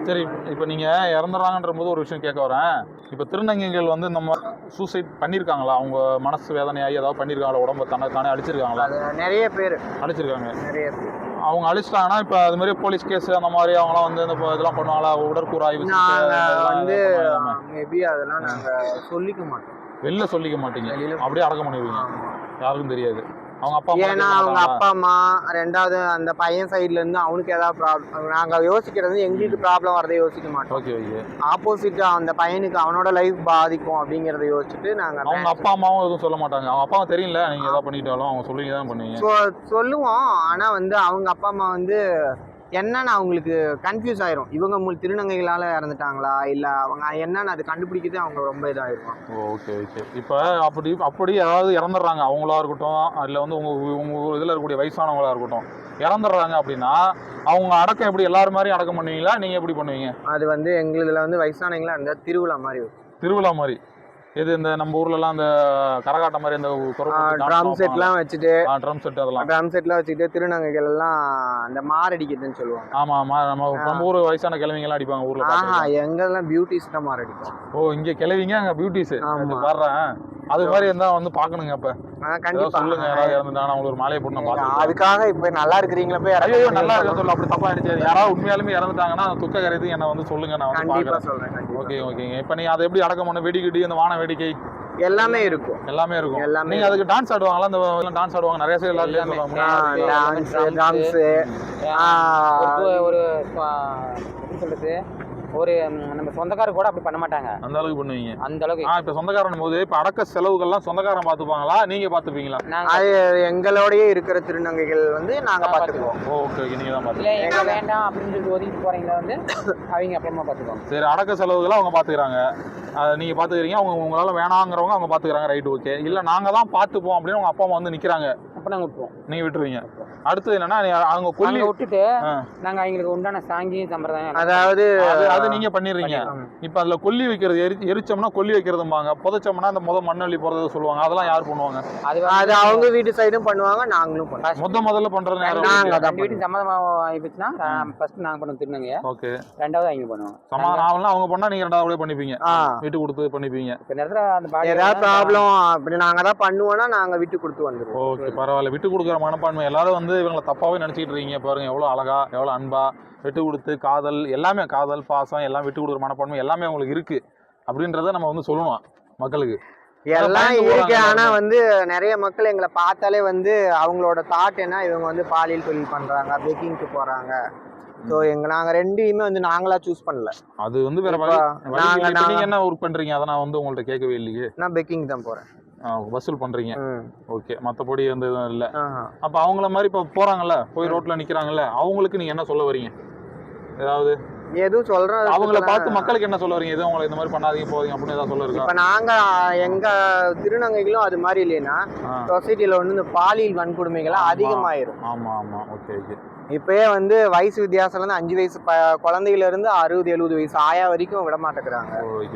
Speaker 1: சரி, இப்போ நீங்கள் இறந்துடுறாங்கன்ற போது ஒரு விஷயம் கேட்க வரேன். இப்போ திருநங்கைகள் வந்து நம்ம சூசைட் பண்ணியிருக்காங்களா? அவங்க மனசு வேதனையாகி ஏதாவது பண்ணியிருக்காங்களா? உடம்பை தன்னை தானே அழிச்சிருக்காங்களா?
Speaker 2: நிறைய பேர்
Speaker 1: அழிச்சிருக்காங்க.
Speaker 2: நிறைய பேர்
Speaker 1: அவங்க அழிச்சிட்டாங்கன்னா இப்போ அது மாதிரி போலீஸ் கேஸ் அந்த மாதிரி அவங்களாம் வந்து இந்த இதெல்லாம் பண்ணுவாங்களா? உடற்கூறு ஆய்வு
Speaker 2: வந்து மேபி அதெல்லாம் நாங்கள் சொல்லிக்க மாட்டோம்.
Speaker 1: வெளில சொல்லிக்க மாட்டீங்க, அப்படியே அடக்கம் பண்ணிடுவீங்க, யாருக்கும் தெரியாது. அவங்க அப்பா
Speaker 2: ஏன்னா அவங்க அப்பா அம்மா, ரெண்டாவது அந்த பையன் சைட்ல இருந்து அவனுக்கு ஏதாவது ப்ராப்ளம், நாங்க யோசிக்கிறது எங்களுக்கு ப்ராப்ளம் வரதை யோசிக்க மாட்டோம்.
Speaker 1: Okay okay.
Speaker 2: ஆப்போசிட் அந்த பையனுக்கு அவனோட லைஃப் பாதிக்கும் அப்படிங்கறத யோசிச்சுட்டு நாங்க.
Speaker 1: அவங்க அப்பா அம்மாவும் எதுவும் சொல்ல மாட்டாங்க? அவங்க அப்பாவும் தெரியல நீங்க ஏதாவது பண்ணிட்டாலும் அவங்க சொல்லி தான் பண்ணுவீங்க?
Speaker 2: சொல்லுவோம். ஆனா வந்து அவங்க அப்பா அம்மா வந்து என்னன்னு அவங்களுக்கு கன்ஃபியூஸ் ஆயிரும். இவங்க மூணு திருநங்கைகளால இறந்துட்டாங்களா இல்ல அவங்க என்னன்னு அது கண்டுபிடிக்கிறது அவங்க ரொம்ப இதாயிருக்கும்.
Speaker 1: Okay okay. இப்போ அப்படி அப்படி யாராவது இறந்துடுறாங்க, அவங்களா இருக்கட்டும் அதில் வந்து உங்க உங்க இதில் இருக்கக்கூடிய வயசானவங்களா இருக்கட்டும், இறந்துடுறாங்க அப்படின்னா அவங்க அடக்கம் எப்படி எல்லாரும் மாதிரி அடக்கம் பண்ணுவீங்களா? நீங்க எப்படி பண்ணுவீங்க?
Speaker 2: அது வந்து எங்களுதுல வந்து வயசானவங்களா இருந்தா திருவிழா மாதிரி இருக்கும்.
Speaker 1: திருவிழா மாதிரி? இது இந்த நம்ம ஊர்ல எல்லாம் அந்த கரகாட்டம் மாதிரி இந்த
Speaker 2: ட்ரம் செட்லாம் வச்சுட்டு,
Speaker 1: ட்ரம் செட் அதெல்லாம்
Speaker 2: ட்ரம் செட்லாம் வச்சுட்டு திருநங்கைகள் எல்லாம் அந்த மாரடிக்குதுன்னு சொல்லுவாங்க.
Speaker 1: ஆமா ஆமா. நம்ம நம்ம ஊர் வயசான கிழவிங்க எல்லாம் அடிப்பாங்க ஊர்ல.
Speaker 2: ஆஹா, எங்கெல்லாம் பியூட்டிஸ் தான் மாரடிக்கும்.
Speaker 1: ஓ, இங்க கிழவிங்க அங்க பியூட்டிஸ் பாடுறேன். அது மாதிரி இருந்தா வந்து பாக்கணுங்க. அப்ப
Speaker 2: கண்டிப்பா
Speaker 1: சொல்லுங்க, யாராவது இறந்துட்டாங்க அவங்களுக்கு ஒரு மாலையை போட்டு பாத்து.
Speaker 2: அதுக்காக இப்ப நல்லா இருக்கிறீங்களா போய்
Speaker 1: ஐயோ நல்லா இருக்க சொல்ல அப்படி தப்பா ஆயிடுச்சு. யாராவது உண்மையாலுமே இறந்துட்டாங்கன்னா துக்க கரைத்து என்ன வந்து சொல்லுங்க, நான் வந்து
Speaker 2: கண்டிப்பா சொல்றேன்.
Speaker 1: ஓகே ஓகேங்க. இப்ப நீ அதை எப்படி அடக்கம் பண்ண? வெடிக்கிடி அந்த வான வேடிக்கை எல்லாமே இருக்கும். எல்லாமே இருக்கும். எல்லாமே. நீங்க அதுக்கு டான்ஸ் ஆடுவாங்களா? அந்த டான்ஸ் ஆடுவாங்க நிறைய பேர். எல்லாமே
Speaker 2: டான்ஸ் டான்ஸ்
Speaker 3: ஒரு எப்படி சொல்றது, ஒரு நம்ம சொந்தக்காரர் கூட அப்படி பண்ண மாட்டாங்க.
Speaker 1: அந்த அளவுக்கு பண்ணுவீங்க?
Speaker 3: அந்த அளவுக்கு.
Speaker 1: இப்ப சொந்தக்காரன் போது இப்ப அடக்க செலவுகள்லாம் சொந்தக்காரன் பாத்துப்பாங்களா, நீங்க பாத்துப்பீங்களா?
Speaker 2: அது எங்களோடய இருக்கிற திருநங்கைகள் வந்து நாங்க பாத்துக்குவோம்.
Speaker 1: Okay okay. நீங்க தான் பாத்துக்கீங்க.
Speaker 3: எங்க வேண்டாம் அப்படின்னு சொல்லிட்டு ஒதுக்கிட்டு போறீங்களா வந்து அவங்க அப்புறமா பாத்துக்குவாங்க.
Speaker 1: சரி, அடக்க செலவுகளை அவங்க பாத்துக்கிறாங்க, நீங்க பாத்துக்கிறீங்க. அவங்க உங்களால வேணாங்கிறவங்க அவங்க பாத்துக்கிறாங்க, ரைட் ஓகே. இல்ல நாங்க தான் பாத்துப்போம் அப்படின்னு உங்க அப்பா அம்மா வந்து நிக்கிறாங்க, அப்ப நாங்க விட்டுருவோம். நீங்க விட்டுருவீங்க. அடுத்து என்னன்னா அவங்க கொல்லி விட்டுட்டு
Speaker 3: நாங்க அவங்களுக்கு உண்டான சாங்கி சம்பிரதாயம்,
Speaker 2: அதாவது
Speaker 1: அது நீங்க பண்ணிடுறீங்க. இப்ப அதுல கொல்லி வைக்கிறது, எரிச்சோம்னா கொல்லி வைக்கிறதும்பாங்க, புதைச்சோம்னா அந்த முத மண்ணள்ளி போறதை சொல்லுவாங்க. அதெல்லாம் யார் பண்ணுவாங்க?
Speaker 2: அது அவங்க வீட்டு சைடும் பண்ணுவாங்க, நாங்களும் பண்ணுவோம்.
Speaker 1: முத முதல்ல பண்றது
Speaker 3: நாங்க வீட்டு சம்மதமா ஆயிடுச்சுன்னா ஃபர்ஸ்ட் நாங்க பண்ணுவோம் திருநங்கைய. ஓகே. ரெண்டாவது அவங்க பண்ணுவாங்க.
Speaker 1: சமாதானம் ஆகலாம் அவங்க பண்ணா நீங்க ரெண்டாவது பண்ணிப்பீங்க, விட்டு கொடுத்து பண்ணிப்பீங்க.
Speaker 3: இந்த நேரத்துல அந்த பாடி
Speaker 2: ஏதாவது ப்ராப்ளம் அப்படி நாங்க தான் பண்ணுவோம்னா நாங்க விட்டு கொடுத்து வந்துருவோம்.
Speaker 1: ஓகே, பரவாயில்ல. விட்டு கொடுக்குற மனப்பான்மை. எல்லாரும் வந்து இவங்களை தப்பாவே நினைச்சிட்டு இருக்கீங்க பாருங்க. எவ்வளவு அழகா, எவ்வளவு அன்பா, விட்டு கொடுத்து காதல் எல்லாமே, காதல் பாசம் எல்லாம் விட்டு கொடுக்குற மனப்பான்மை எல்லாமே உங்களுக்கு இருக்கு அப்படின்றத நம்ம வந்து சொல்லணும் மக்களுக்கு.
Speaker 2: எல்லாம் இருக்கு. ஆனா வந்து நிறைய மக்கள் எங்களை பார்த்தாலே வந்து அவங்களோட தாட் என்ன, இவங்க வந்து பாலியல் தொழில் பண்றாங்க, பேக்கிங்க்கு போறாங்க. ஸோ எங்க நாங்க ரெண்டையுமே வந்து நாங்களா சூஸ் பண்ணல.
Speaker 1: அது வந்து வேற வழி. நாங்க நீங்க என்ன ஒர்க் பண்றீங்க அதை நான் வந்து உங்கள்ட்ட கேட்கவே இல்லையே.
Speaker 2: நான் பேக்கிங் தான் போறேன்.
Speaker 1: வசூல் பண்றீங்க. ஓகே. மற்றபடி வந்து எதுவும் இல்லை. அப்ப அவங்கள மாதிரி இப்ப போறாங்கல்ல, போய் ரோட்ல நிக்கிறாங்கல்ல, அவங்களுக்கு நீங்க என்ன சொல்ல வரீங்க? ஏதாவது
Speaker 2: எதுவும் சொல்றேன்.
Speaker 1: அவங்கள பார்த்து மக்களுக்கு என்ன சொல்ல வரீங்க? எதுவும் அவங்களை இந்த மாதிரி பண்ணாதீங்க போறீங்க அப்படின்னு ஏதாவது சொல்ல இருக்கா?
Speaker 2: இப்ப நாங்க எங்க திருநங்கைகளும் அது மாதிரி இல்லைன்னா சொசைட்டில வந்து இந்த பாலியல் வன்கொடுமைகள்லாம் அதிகமாயிரும்.
Speaker 1: ஆமா ஆமா. Okay okay.
Speaker 2: இப்பயே வந்து வயசு வித்தியாசம் இருந்து அஞ்சு வயசு குழந்தையில இருந்து அறுபது எழுபது வயசு ஆயா வரைக்கும் விட மாட்டேங்கிறாங்க.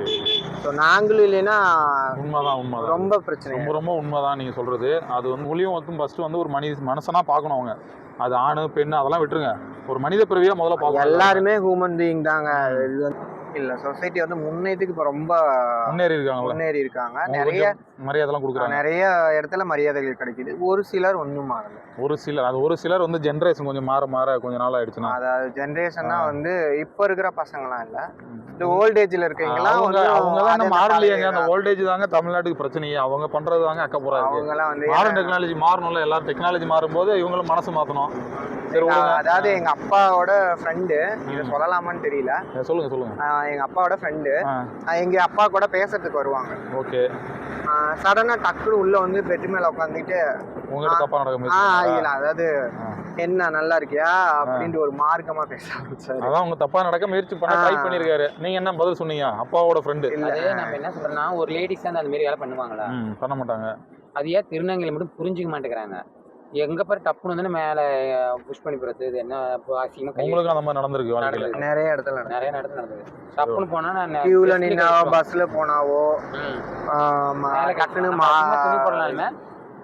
Speaker 2: நாங்களும் இல்லைன்னா
Speaker 1: உண்மைதான் உண்மைதான்
Speaker 2: ரொம்ப பிரச்சனை.
Speaker 1: ரொம்ப ரொம்ப உண்மைதான் நீங்க சொல்றது. அது வந்து மொழியும் வந்து ஃபர்ஸ்ட் வந்து ஒரு மனித மனுஷனா பார்க்கணும். அவங்க அது ஆணு பெண்ணு அதெல்லாம் விட்டுருங்க, ஒரு மனித பிறவியா முதல்ல பார்க்கணும்.
Speaker 2: எல்லாருமே ஹியூமன் பீயிங் தாங்க. இல்ல சொசைட்டி வந்து முன்னேறதுக்கு இப்ப ரொம்ப
Speaker 1: முன்னேறி இருக்காங்க
Speaker 2: முன்னேறி இருக்காங்க நிறைய
Speaker 1: மரியாதைலாம் கொடுக்குறாங்க.
Speaker 2: நிறைய இடத்துல மரியாதைகள் கிடைக்குது. ஒரு சிலர் ஒன்றும் மாறல.
Speaker 1: ஒரு சிலர் அது ஒரு சிலர் வந்து ஜென்ரேஷன் கொஞ்சம் மாற மாற கொஞ்சம் நாள் ஆயிடுச்சுன்னா,
Speaker 2: அதாவது ஜென்ரேஷன்னா வந்து இப்ப இருக்கிற பசங்களாம் இல்ல, இந்த ஓல்டேஜ்ல இருக்கீங்களா
Speaker 1: அவங்க அவங்கலாம் நம்ம மாறலையாங்க. அந்த ஓல்டேஜ் தாங்க தமிழ்நாட்டுக்கு பிரச்சனையே. அவங்க பண்றது தாங்க அக்க போறாங்க.
Speaker 2: அவங்கலாம் வந்து
Speaker 1: மாடர்ன் டெக்னாலஜி மாறணும்ல, எல்லாரும் டெக்னாலஜி மாறும்போது இவங்களும் மனசு மாத்தணும்.
Speaker 2: அதாவது எங்க அப்பாவோட ஃப்ரெண்டு, இதை சொல்லலாமான்னு தெரியல,
Speaker 1: சொல்லுங்க சொல்லுங்க.
Speaker 2: எங்க அப்பாவோட ஃப்ரெண்டு எங்க அப்பா கூட பேசுறதுக்கு வருவாங்க.
Speaker 1: ஓகே.
Speaker 2: சடனா டக்குனு உள்ள வந்து பெட் மேல உட்காந்துட்டு அதாவது என்ன நல்லா இருக்கியா அப்படின்ட்டு ஒரு மார்க்கமா பேச ஆரம்பிச்சாரு.
Speaker 1: அதான் உங்க தப்பா நடக்க முயற்சி பண்ண ட்ரை பண்ணிருக்காரு. நீங்க என்ன பதில் சொன்னீங்க? அப்பாவோட ஃப்ரெண்டு.
Speaker 3: அது நம்ம என்ன சொல்றோம்னா, ஒரு லேடிஸ் அந்த மாதிரி வேலை பண்ணுவாங்களா?
Speaker 1: பண்ண மாட்டாங்க.
Speaker 3: அது ஏன் திருநங்கையில மட்டும் புரிஞ்சுக்க மாட்டேங்கிறாங்க? எங்க பாரு டப்புன்னு வந்து மேல புஷ் பண்ணி போறது. இது என்ன அசிங்கமா?
Speaker 1: உங்களுக்கு அந்த மாதிரி நடந்திருக்கு வாழ்க்கையில?
Speaker 2: நிறைய இடத்துல
Speaker 3: நிறைய இடத்துல நடந்தது. டப்புன்னு போனா நான்
Speaker 2: கியூல நின்னாவோ பஸ்ல போனாவோ
Speaker 3: மேல கட்டுன்னு துணி போடலாமே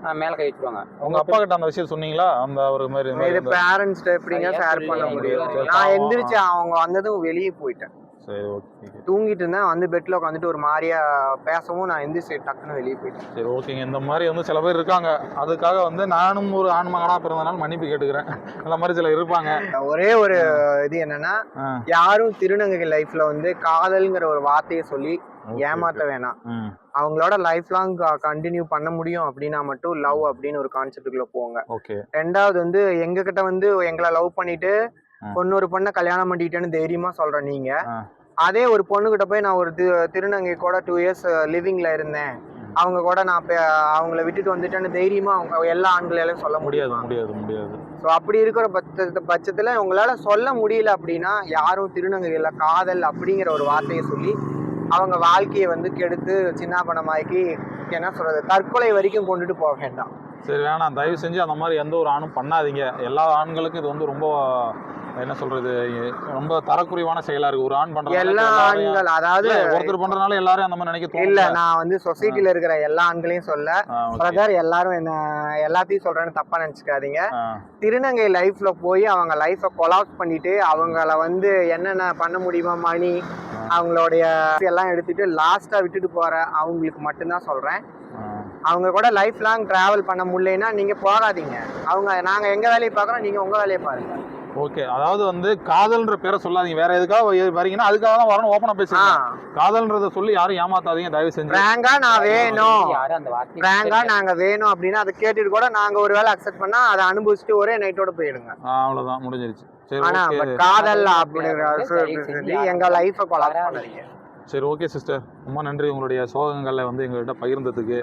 Speaker 3: மேலே கை வச்சுருவாங்க.
Speaker 1: உங்க அப்பா கிட்ட அந்த விஷயம் சொன்னீங்களா? அந்த ஒரு மாதிரி
Speaker 2: இது பேரண்ட்ஸ்ட எப்படிங்க ஷேர் பண்ண முடியும்? நான் எந்திரிச்சு அவங்க வந்ததும் வெளியே போயிட்டேன்.
Speaker 1: சரி ஓகே.
Speaker 2: தூங்கிட்டு இருந்தேன், வந்து பெட்ல உட்காந்துட்டு ஒரு மாதிரியா பேசவும் நான் எந்திரிச்சு டக்குன்னு வெளியே போயிட்டேன்.
Speaker 1: சரி ஓகேங்க. இந்த மாதிரி வந்து சில பேர் இருக்காங்க. அதுக்காக வந்து நானும் ஒரு ஆண் மகனா பிறந்தனால மன்னிப்பு கேட்டுக்கிறேன். அந்த மாதிரி சில இருப்பாங்க.
Speaker 2: ஒரே ஒரு இது என்னன்னா, யாரும் திருநங்கை லைஃப்ல வந்து காதல்ங்கிற ஒரு வார்த்தையை சொல்லி ஏமாத்த வேணாம். அவங்களோட லைஃப் லாங் கண்டினியூ பண்ண முடியும் அப்படின்னா மட்டும் லவ் அப்படின்னு ஒரு கான்செப்டுக்குள்ள போங்க. ரெண்டாவது வந்து எங்க கிட்ட வந்து எங்களை லவ் பண்ணிட்டு பொண்ணு பொண்ணை கல்யாணம் பண்ணிட்டேன்னு தைரியமா சொல்ற நீங்க, அதே ஒரு பொண்ணு கிட்ட போய் நான் ஒரு திருநங்கை கூட டூ இயர்ஸ் லிவிங்ல இருந்தேன், அவங்க கூட நான் அவங்கள விட்டுட்டு வந்துட்டேன்னு தைரியமா அவங்க எல்லா ஆண்களாலும் சொல்ல முடியாது
Speaker 1: முடியாது முடியாது
Speaker 2: ஸோ அப்படி இருக்கிற பட்ச பட்சத்துல உங்களால சொல்ல முடியல அப்படின்னா யாரும் திருநங்கைல காதல் அப்படிங்கிற ஒரு வார்த்தையை சொல்லி அவங்க வாழ்க்கையை வந்து கெடுத்து சின்னாபனமாக்கி என்ன சொல்றது தற்கொலை வரைக்கும் கொண்டுட்டு போக வேண்டாம்.
Speaker 1: சரி வேணாம், தயவு செஞ்சு அந்த மாதிரி எந்த ஒரு ஆணும் பண்ணாதீங்க. எல்லா ஆண்களுக்கும் இது வந்து ரொம்ப என்ன சொல்றது ரொம்ப தரக்குறைவான செயலா இருக்கு. ஒரு ஆண் பண்றது
Speaker 2: எல்லா ஆண்கள், அதாவது
Speaker 1: ஒருத்தர் பண்றதுனால எல்லாரும் அந்த மாதிரி நினைக்க
Speaker 2: இல்ல. நான் வந்து சொசைட்டில இருக்கிற எல்லா ஆண்களையும் சொல்ல பிரதர், எல்லாரும் என்ன எல்லாத்தையும் சொல்றேன்னு தப்பா நினைச்சுக்காதீங்க. திருநங்கை லைஃப்ல போய் அவங்க லைஃப கொலாப்ஸ் பண்ணிட்டு அவங்கள வந்து என்னென்ன பண்ண முடியுமா மணி அவங்களுடைய எல்லாம் எடுத்துட்டு லாஸ்டா விட்டுட்டு போற அவங்களுக்கு மட்டும்தான் சொல்றேன். அவங்க கூட லைஃப் லாங் டிராவல் பண்ண முடியலன்னா நீங்க போகாதீங்க. அவங்க நாங்க எங்க வேலையை பார்க்குறோம், நீங்க உங்க வேலையை பாருங்க.
Speaker 1: ஓகே. அதாவது வந்து காதல்ன்ற பேரை சொல்லாதீங்க. வேற எதுக்காக வரீங்கன்னா அதுக்காக தான் வரணும். ஓப்பனா பேசுங்க. காதல்ன்றத சொல்லி யாரும் ஏமாத்தாதீங்க தயவு செஞ்சு.
Speaker 2: பிராங்கா நான் வேணும், பிராங்கா நாங்க வேணும் அப்படின்னா அதை கேட்டுட்டு கூட நாங்க ஒரு வேளை அக்செப்ட் பண்ணா அதை அனுபவிச்சுட்டு ஒரே நைட்டோட போயிடுங்க.
Speaker 1: அவ்வளவுதான், முடிஞ்சிருச்சு.
Speaker 2: ஆனா காதல் அப்படிங்கிற எங்க லைஃப கொலாப்ஸ் பண்ணாதீங்க.
Speaker 1: சரி ஓகே சிஸ்டர், ரொம்ப நன்றி உங்களுடைய சோகங்களை வந்து எங்கள்கிட்ட பகிர்ந்ததுக்கு.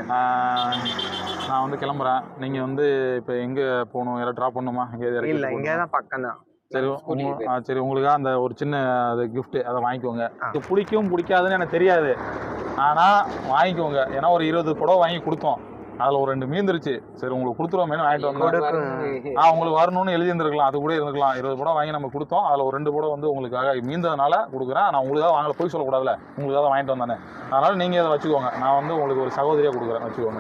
Speaker 1: நான் வந்து கிளம்புறேன். நீங்கள் வந்து இப்போ எங்கே போகணும், யாராவது ட்ராப் பண்ணணுமா?
Speaker 2: எங்கே? இல்லை, இங்கே தான் பக்கம் தான்.
Speaker 1: சரி சரி உங்களுக்காக அந்த ஒரு சின்ன அது கிஃப்ட்டு அதை வாங்கிக்கோங்க. இது பிடிக்கும் பிடிக்காதுன்னு எனக்கு தெரியாது, ஆனால் வாங்கிக்கோங்க. ஏன்னா ஒரு இருபது புடவை வாங்கி கொடுத்தோம், அதில் ஒரு ரெண்டு மீந்துருச்சு. சரி உங்களுக்கு கொடுத்துருவோமேனு வாங்கிட்டு வந்தோம். ஆ உங்களுக்கு வரணும்னு எழுதி இருந்திருக்கலாம், அது கூட இருந்துக்கலாம். இருபது படம் வாங்கி நம்ம கொடுத்தோம், அதில் ஒரு ரெண்டு படம் வந்து உங்களுக்காக மீந்ததுனால கொடுக்குறேன். நான் உங்களுக்காக வாங்கல, போய் சொல்லக்கூடாதுல, உங்களுக்காக வாங்கிட்டு வந்தானே. அதனால் நீங்கள் அதை வச்சுக்கோங்க. நான் வந்து உங்களுக்கு ஒரு சகோதரியாக கொடுக்குறேன், வச்சுக்கோங்க.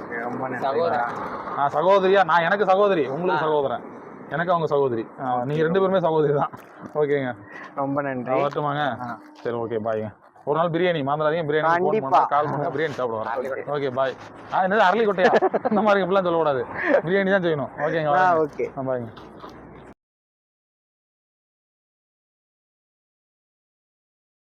Speaker 1: நான் சகோதரியா, நான் எனக்கு சகோதரி, உங்களுக்கு சகோதரன், எனக்கு அவங்க சகோதரி. நீங்கள் ரெண்டு பேருமே சகோதரி தான். ஓகேங்க,
Speaker 2: ரொம்ப நன்றி.
Speaker 1: வரட்டுமாங்க? சரி ஓகே, பாய்ங்க. ஒரு நாள் பிரியாணி மறந்துடாதீங்க, பிரியாணி ஃபோன் பண்ணுங்க, கால் பண்ணுங்க, பிரியாணி சாப்பிட வரேன். Okay bye. ஆ என்னது அரளி கொட்டையா? இந்த மாதிரி இப்படிலாம் சொல்லக்கூடாது, பிரியாணி தான் செய்யணும். ஓகேங்களா?
Speaker 2: ஓகே
Speaker 1: பாய்ங்க.